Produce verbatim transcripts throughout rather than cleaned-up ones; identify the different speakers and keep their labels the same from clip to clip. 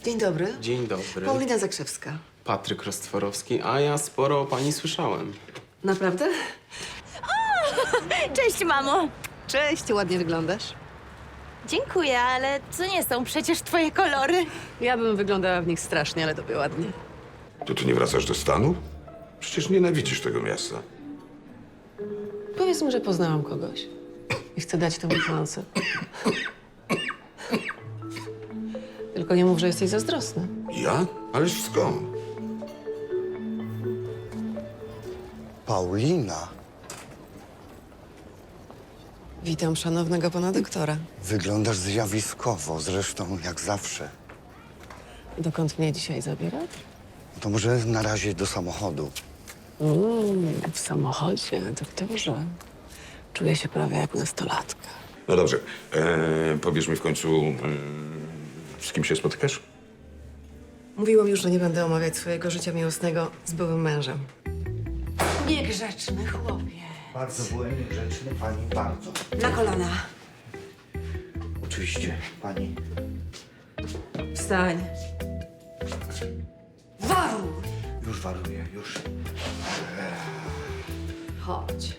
Speaker 1: Dzień dobry.
Speaker 2: Dzień dobry.
Speaker 1: Paulina Zakrzewska.
Speaker 2: Patryk Rostworowski, a ja sporo o pani słyszałem.
Speaker 1: Naprawdę?
Speaker 3: Cześć, mamo.
Speaker 1: Cześć, ładnie wyglądasz.
Speaker 3: Dziękuję, ale to nie są przecież twoje kolory.
Speaker 1: Ja bym wyglądała w nich strasznie, ale tobie ładnie.
Speaker 4: To ty nie wracasz do Stanów? Przecież nienawidzisz tego miasta.
Speaker 1: Powiedz mi, że poznałam kogoś i chcę dać temu szansę. Tylko nie mów, że jesteś zazdrosny.
Speaker 4: Ja? Ależ skąd?
Speaker 5: Paulina,
Speaker 1: Witam szanownego pana doktora.
Speaker 5: wyglądasz zjawiskowo, zresztą jak zawsze.
Speaker 1: Dokąd mnie dzisiaj zabierać?
Speaker 5: To może na razie do samochodu.
Speaker 1: Mm, w samochodzie, doktorze. Czuję się prawie jak nastolatka.
Speaker 4: No dobrze. E, powiesz mi w końcu, e, z kim się spotykasz?
Speaker 1: Mówiłam już, że nie będę omawiać swojego życia miłosnego z byłym mężem. Niegrzeczny chłopie.
Speaker 5: Bardzo byłem niegrzeczny, pani, bardzo.
Speaker 1: Na kolana.
Speaker 5: Oczywiście, pani.
Speaker 1: Wstań. Waruj!
Speaker 5: Już waruję, już.
Speaker 1: Chodź.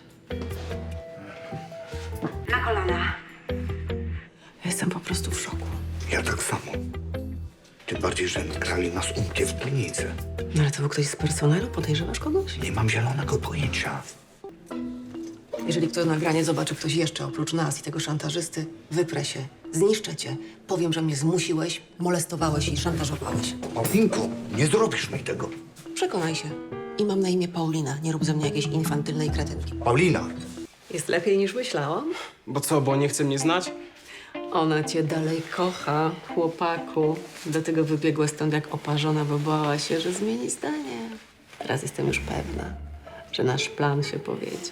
Speaker 1: Na kolana. Jestem po prostu w szoku.
Speaker 5: Ja tak samo. Tym bardziej, że grali nas umkie w klinice.
Speaker 1: No ale to był ktoś z personelu? Podejrzewasz kogoś?
Speaker 5: Nie mam zielonego pojęcia.
Speaker 1: Jeżeli ktoś nagranie zobaczy ktoś jeszcze oprócz nas i tego szantażysty, wyprę się, zniszczę cię. Powiem, że mnie zmusiłeś, molestowałeś i szantażowałeś.
Speaker 5: Paulinko, nie zrobisz mi tego.
Speaker 1: Przekonaj się. I mam na imię Paulina. Nie rób ze mnie jakiejś infantylnej kretynki.
Speaker 5: Paulina,
Speaker 1: Jest lepiej niż myślałam.
Speaker 2: Bo co, bo nie chce mnie znać?
Speaker 1: Ona cię dalej kocha, chłopaku. Do tego wybiegła stąd jak oparzona, bo bała się, że zmieni zdanie. Teraz jestem już pewna, że nasz plan się powiedzie.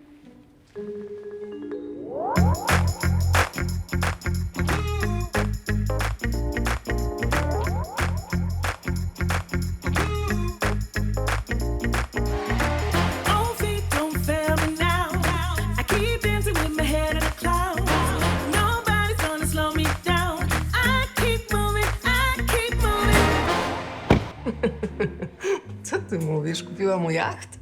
Speaker 6: Oh, feet don't fail me now. I keep dancing with my head in the clouds. Nobody's gonna slow me down. I keep moving, I keep moving.
Speaker 1: Co ty mówisz? Kupiła mu jacht?